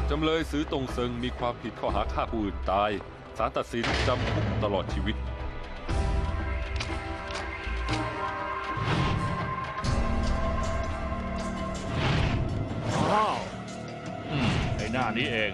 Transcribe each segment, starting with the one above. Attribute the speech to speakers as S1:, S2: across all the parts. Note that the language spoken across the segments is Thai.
S1: จำเลยซื้อตงเซิงมีความผิดข้อหาฆ่าผู้อื่นตายศาลตัดสินจำคุกตลอดชีวิต
S2: อ้าวไอ้หน้านี้เอง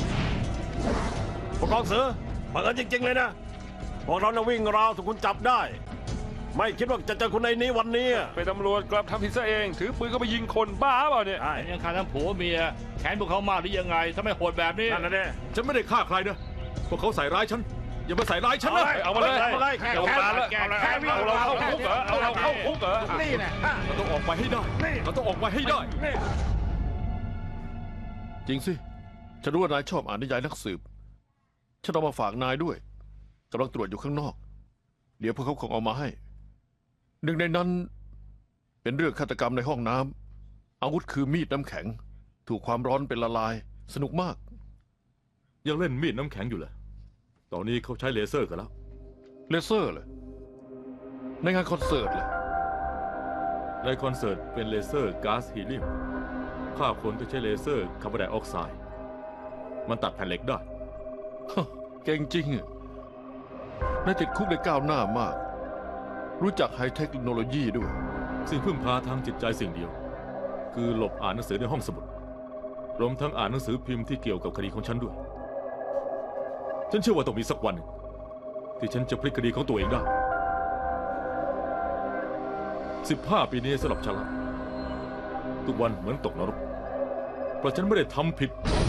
S2: ผู้กองเสือบังเอิญจริงๆเลยนะพวกเราน่ะวิ่งราวถูกคุณจับได้ ไม่คิดว่าจะเจอคุณในนี้วันนี้
S1: เป็นตำรวจกลับทำผิดซะเองถือปืนก็ไปยิงคนบ้าเปล่าเนี่ย
S2: ยังฆ่าทั้งผัวเมียแค้นพวกเขามากหรือยังไงถ้าไม่โหดแบบนี้นั่นนะเนี่ย
S3: ฉันไม่ได้ฆ่าใครนะพวกเขาใส่ร้ายฉันอย่ามาใส่ร้ายฉันนะ
S1: เอามาเลยเอามาเลยเอาเราเข้าคุกเหรอเอาเราเข้าคุกเหรอ
S2: นี่นะ
S3: เราต้องออกไปให้ได้เราต้องออกไปให้ได้
S4: จริงสิฉันรู้ว่านายชอบอ่านนิยายนักสืบฉันเอามาฝากนายด้วยกำลังตรวจอยู่ข้างนอกเดี๋ยวพวกเขาคงเอามาให้หนึ่งในนั้นเป็นเรื่องฆาตกรรมในห้องน้ำอาวุธคือมีดน้ำแข็งถูกความร้อนเป็นละลายสนุกมาก
S3: ยังเล่นมีดน้ำแข็งอยู่เลยตอนนี้เขาใช้เลเซอร์กันแล้ว
S4: เลเซอร์เลยในงานคอนเสิร์ตเลย
S3: ในคอนเสิร์ตเป็นเลเซอร์ก๊าซฮีเลียมฆ่าคนก็ใช้เลเซอร์คาร์บอนไดออกไซด์มันตัดแผ่นเหล็กได้
S4: เก่งจริงนายติดคุกได้ก้าวหน้ามากรู้จักไฮเทคโนโลยีด้วย
S3: สิ่งพึ่งพาทางจิตใจสิ่งเดียวคือหลบอ่านหนังสือในห้องสมุดรวมทั้งอ่านหนังสือพิมพ์ที่เกี่ยวกับคดีของฉันด้วยฉันเชื่อว่าต้องมีสักวันที่ฉันจะพลิกคดีของตัวเองได้15 ปีนี้สำหรับฉันละทุกวันเหมือนตกนรกเพราะฉันไม่ได้ทำผิด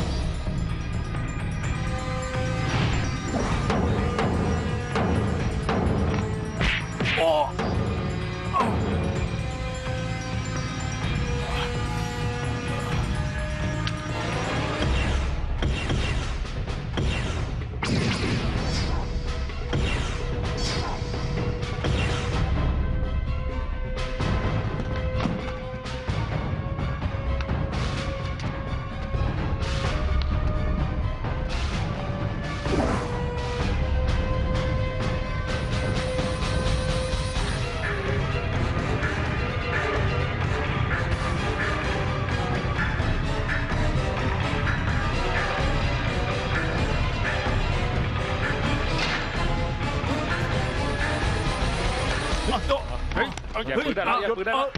S1: อย่าปืนได้แล้วอย่าปืนได้แล้ว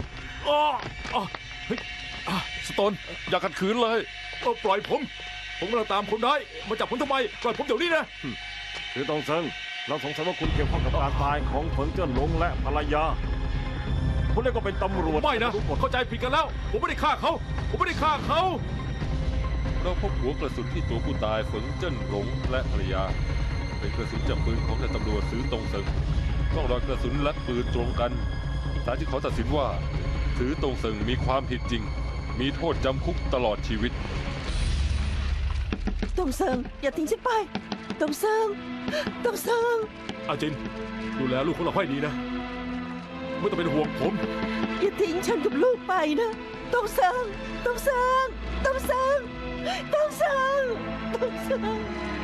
S4: สโตนอย่าขัดขืนเลย
S3: ปล่อยผมกำลังตามคนร้ายมาจับผมทำไมปล่อยผมเดี๋ยวนี้นะ
S2: คือตงเซิงเราสงสัยว่าคุณเกี่ยวข้องกับการตายของเฟิงเจิ้นหลงและภรรยาคุณเรียกว่าเป็นตำรวจ
S3: ไม่นะเข้าใจผิดกันแล้วผมไม่ได้ฆ่าเขา
S1: เราพบหัวกระสุนที่ตัวผู้ตายเฟิงเจิ้นหลงและภรรยาเป็นกระสุนจากปืนของนายตำรวจซื้อตงเซิงร่องรอยกระสุนและปืนตรงกันศาลที่เขาตัดสินว่าซื้อตงเซิงมีความผิดจริงมีโทษจำคุกตลอดชีวิต
S5: ตงเซิงอย่าทิ้งฉันไปตงเซิง
S3: อาจินดูแลลูกของเราให้ดีนะไม่ต้องเป็นห่วงผม
S5: อย่าทิ้งฉันกับลูกไปนะตงเซิง